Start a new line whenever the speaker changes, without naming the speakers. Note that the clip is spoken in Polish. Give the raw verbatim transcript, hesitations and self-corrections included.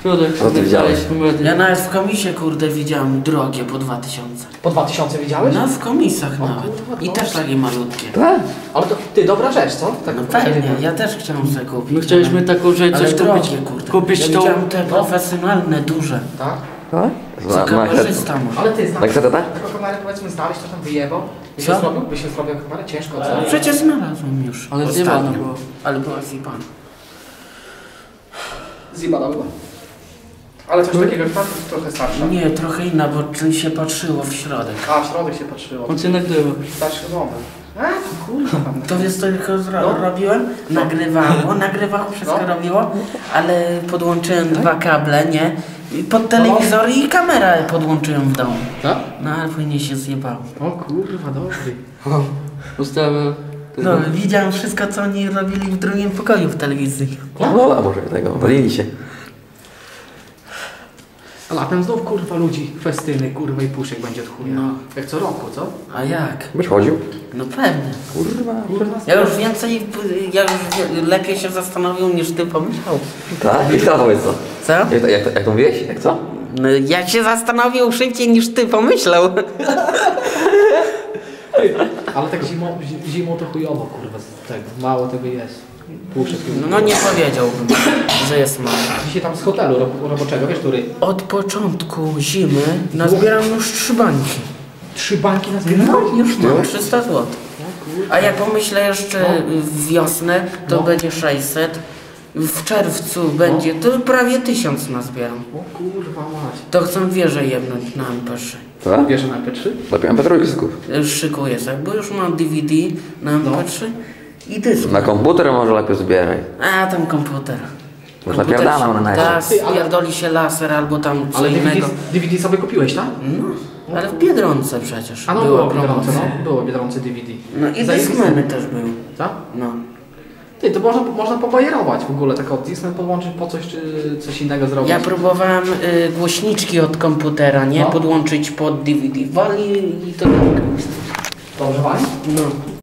Środek.
Co ty widziałeś?
Ja nawet w komisie, kurde, widziałem drogie po dwa tysiące.
Po dwa tysiące widziałeś?
No w komisach
O,
nawet.
kurwa,
I
to
też
jest-
takie malutkie.
Tak?
Ale to, ty, dobra rzecz, co? Tak
No pewnie, ja też chciałem sobie kupić.
My chcieliśmy taką rzecz,
ale
coś kupić,
drogie, kurde.
kupić
ja
tą...
widziałem te profesjonalne, duże.
Tak?
Tak?
Co kamerzysta ma.
Ale ty znasz
Tak, co to tak?
taką kamerę, powiedzmy, znaleźć, to tam wyjebał? Byś
Co?
się zrobił? Byś się zrobił kamerę? Ciężko, co?
No przecież znalazłem już.
Ale
ostatnio.
zjebana była.
Ale była zjebana.
Zjebana była. Ale coś takiego jak tam, trochę starsza.
Nie, trochę inna, bo czym się patrzyło w środek.
A, w środek się patrzyło.
On cię nagrywa.
Starszy moment. A, to kurwa tam.
To wiesz co tylko zro
No.
robiłem? Nagrywało, nagrywało, wszystko
No.
robiło, ale podłączyłem dwa kable, nie? I pod telewizor i kamerę podłączyłem w domu.
Tak?
No ale później się zjebało.
O kurwa, dobry.
Ustawę.
No, widziałem wszystko, co oni robili w drugim pokoju w telewizji.
No, a może tego, walili się.
A latem znów kurwa ludzi, festyny, kurwa i puszek będzie od chuja.
No.
Jak co roku, co?
A jak?
Byś chodził?
No pewnie.
Kurwa.
Kurwa,
Ja już więcej, ja już wie- lepiej się zastanowił niż ty pomyślał.
Tak? I to powiedz co?
Co?
Jak to, jak to, jak to mówiłeś? Jak co?
No, ja się zastanowił szybciej niż ty pomyślał.
Ale tak zimą, zi- zimą to chujowo kurwa z tego. Mało tego jest. Puszek.
No nie powiedziałbym, że jest mało.
Dzisiaj tam z hotelu ro- roboczego, wiesz, który?
Od początku zimy nazbieram już trzy bańki.
Trzy bańki na
No, już mam trzysta złotych. A jak pomyślę jeszcze w wiosnę, to
No.
będzie sześćset. W czerwcu będzie, to prawie tysiąc nazbieram.
O kurwa mać.
To chcę wieżę jebnąć na M P trzy.
Co?
Wiesz, że na P trzy?
Lepiej M P trzy skup.
Już szykuję sobie, bo już mam D V D na M P trzy i dysk.
Na komputer może lepiej zbieraj.
A tam komputer.
Już napierdalam na
Tak,
najście.
Ty, ale-
spierdoli się laser albo tam co
Ale D V D,
innego.
D V D sobie kupiłeś, tak?
No, ale w Biedronce przecież
A no
była
było Biedronce,
promocja.
no. Było Biedronce D V D.
No i
Zajebiste.
Discmany też były.
Tak?
No.
Ty, to można, można pobajerować w ogóle, tak od Disney podłączyć po coś, czy coś innego zrobić.
Ja próbowałem y, głośniczki od komputera, nie?
No.
Podłączyć pod D V D. Wali i to tak.
Dobrze, Wali?
No.